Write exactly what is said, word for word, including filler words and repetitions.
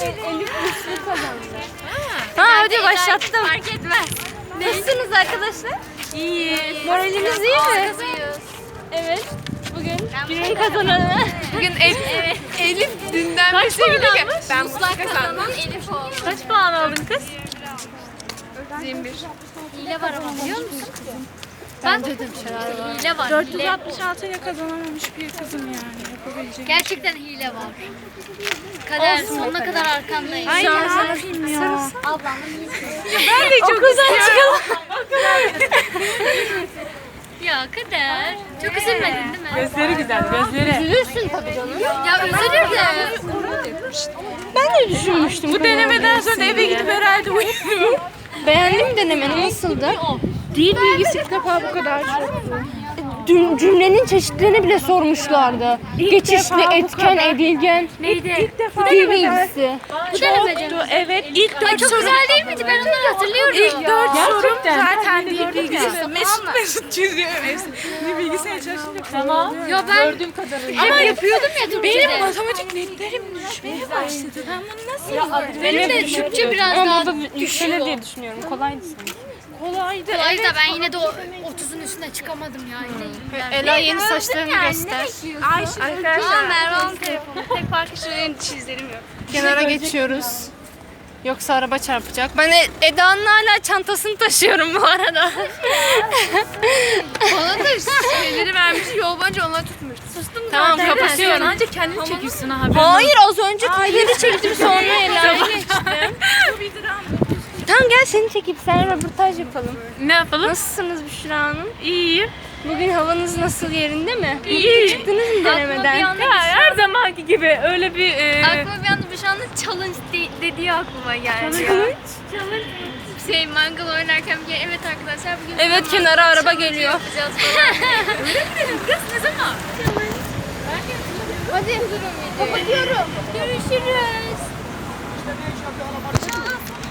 Elif güçlü kazandı. Ha hadi başlattım. Fark etmez. Nasılsınız arkadaşlar? İyi. Moraliniz iyi mi? Kazıyız. Evet. Bugün günün kazananı. Bugün Elif, Elif dünden Kaç bir şey puan ki almış? ben mutlak kazanan Elif oldu. Kaç puan aldın kız? yirmi bir. Hile var ama biliyor musun? Ben dedim şeyler Hile var. dört yüz Hile. altmış altı ile kazanamamış bir kızım yani. Yapabilecek. Gerçekten hile var. Kader sonuna kadar arkandayım. Ay ne yapayım ya. Ben de çok istiyorum. Ya Kader. Çok üzülmedin değil mi? Gözleri güzel, gözleri. Üzülürsün tabii canım. Ya üzülür de. Ben de düşünmüştüm. Bu denemeden sonra eve gidip herhalde uyurum. Beğendim denemeni. Nasıldı? Dil bilgisi ilk defa bu kadar çok. Cüm- cümlenin çeşitlerini bile sormuşlardı. Geçişli, defa bu etken, kadar. edilgen. Neydi? İlk defa Dil bilgisi. Bu denemece. Çoktu, evet. İlk Ay dört çok soru. güzel değil miydi? Ben onları hatırlıyorum. İlk dört sorum Gerçekten. zaten dil Gördüm bilgisi. ya. Mesut Mesut çiziyor. Mesut. Dil bilgisine çalışınca tamam. Ya ben ama yapıyordum ya Türkçe'de. Benim matematik netlerim düşmeye başladı. Ben bunu nasıl yapayım? Benim de Türkçe biraz Ama daha bu da yükselir diye düşünüyorum. Kolaydı sanki. Kolaydı. kolay da ben yine de o otuzun üstüne çıkamadım ya. Yine Ela yeni saçlarını göster. Aa Merve'nin telefonu. Tek farkı şu benim dişizlerim yok. Kenara geçiyoruz. Yoksa araba çarpacak. Ben E- Eda'nın hala çantasını taşıyorum bu arada. Bana da şeyleri vermiş yol boyunca onları tutmuş. Sustum Tamam kapatıyorum. Ancak kendini çekiyorsun abi. Hayır az önce kayları çektim sonra Ela'ya geçtim. Tamam gel seni çekip sen röportaj yapalım. Ne yapalım? Nasılsınız Büşra Hanım? İyiyim. Bugün havanız nasıl yerinde mi? İyi. Çıktınız mı denemeden? Ya her zamanki gibi öyle bir e, Aklıma bir anda bir anda challenge de- dediği aklıma geldi. Challenge? Şey mangal oynarken bir evet arkadaşlar bugün Evet, mangal kenara araba challenge geliyor. yapacağız falan. kız ne zaman? Hadi kapatıyorum. Görüşürüz.